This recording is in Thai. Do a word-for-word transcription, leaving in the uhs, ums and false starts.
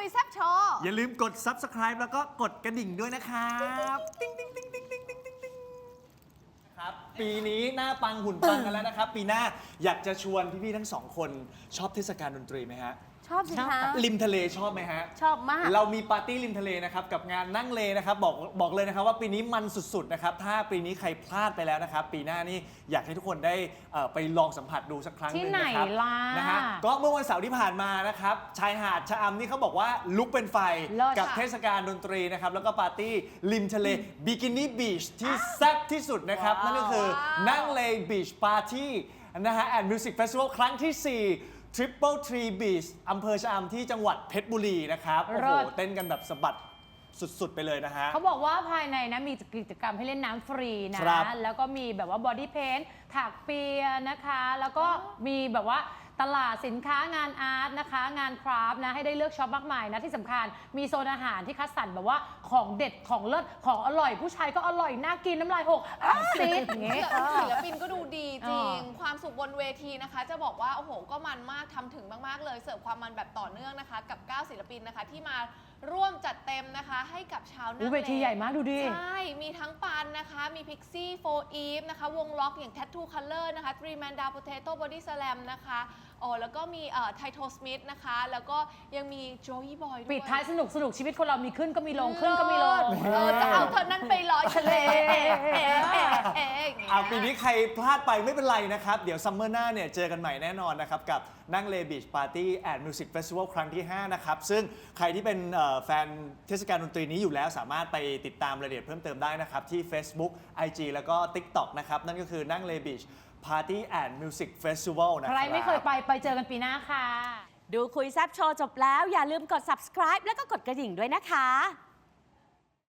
ยแซ่บโชว์อย่าลืมกด ซับสไครบ์ แล้วก็กดกระดิ่งด้วยนะครับติ๊งติ๊งติ๊งติ๊งติ๊งติ๊งติ๊งติ๊งครับปีนี้หน้าปังหุ่นปังกันแล้วนะครับ ปีหน้าอยากจะชวนพี่ๆทั้งสองคนชอบเทศกาลดนตรีไหมฮะชอบสิคะริมทะเลชอบไหมฮะชอบมากเรามีปาร์ตี้ริมทะเลนะครับกับงานนั่งเลนะครับบอกบอกเลยนะครับว่าปีนี้มันสุดๆนะครับถ้าปีนี้ใครพลาดไปแล้วนะครับปีหน้านี่อยากให้ทุกคนได้เอ่อไปลองสัมผัสดูสักครั้งหนึ่งนะครับที่ไหนล่ะนะฮะก็เมื่อวันเสาร์ที่ผ่านมานะครับชายหาดชะอำนี่เขาบอกว่าลุกเป็นไฟเลิศกับค่ะเทศกาลดนตรีนะครับแล้วก็ปาร์ตี้ริมทะเลบิกินี่บีชที่แซ่บที่สุดนะครับนั่นก็คือนั่งเลบีชปาร์ตี้นะฮะแอนด์มิวสิกเฟสติวัลครั้งที่สี่Triple Tree Beach อำเภอชะอำที่จังหวัดเพชรบุรีนะครับ โอ้โห เต้นกันแบบสะบัดสุดๆไปเลยนะฮะเขาบอกว่าภายในนะมีกิจกรรมให้เล่นน้ำฟรีนะครับแล้วก็มีแบบว่าบอดี้เพนท์ถักเปียนะคะ แล้วก็มีแบบว่าตลาดสินค้างานอาร์ตนะคะ งานคราฟต์นะให้ได้เลือกช็อปมากมายนะที่สำคัญมีโซนอาหารที่คัดสรรแบบว่าของเด็ดของเลิศของอร่อย ผู้ชายก็อร่อยน่ากินน้ำลายหกซีดอย่างเงี้ยศิลปินก็ดูดีจริงเออความสุขบนเวทีนะคะ จะบอกว่า โอ้โห ก็มันมากทำถึงมาก ๆ เลย เสิร์ฟความมันแบบต่อเนื่องนะคะ กับ เก้า ศิลปินนะคะ ที่มาร่วมจัดเต็มนะคะ ให้กับชาวนาอู้งเวทีใหญ่มากดูดิใช่ มีทั้งปันนะคะ มีพิกซี่โฟอีฟนะคะ วงล็อกอย่าง Tattoo Color นะคะ Three Man Down Potato Body Slam นะคะอ๋อแล้วก็มีเอ่อไทโทสมิธนะคะ แล้วก็ยังมีโจยี่บอยด้วยปิดท้ายสนุกสนุกชีวิตคนเรามีขึ้นก็มีลงขึ้นก็มีลงเออจะเอาเธอนั้นไปลอยทะเลเอ๊ะเอ๊ะเอ๊ะเอ๊ะอย่างเงี้ยอ่าปีนี้ใครพลาดไปไม่เป็นไรนะครับ เดี๋ยวซัมเมอร์หน้าเนี่ยเจอกันใหม่แน่นอนนะครับ กับนั่งเลบีชปาร์ตี้แอนด์มิวสิกเฟสติวัลครั้งที่ ห้า นะครับ ซึ่งใครที่เป็นเอ่อแฟนเทศกาลดนตรีนี้อยู่แล้วสามารถไปติดตามรายละเอียดเพิ่มเติมได้นะครับ ที่ Facebook ไอ จี แล้วก็ TikTok นะครับ นั่นก็คือนั่งเลบีชปาร์ตี้แอนด์มิวสิกเฟสติวัลนะคใครับรไม่เคยไปไปเจอกันปีหน้าค่ะดูคุยแซบโชว์จบแล้วอย่าลืมกด ซับสไครบ์ แล้วก็กดกระดิ่งด้วยนะคะ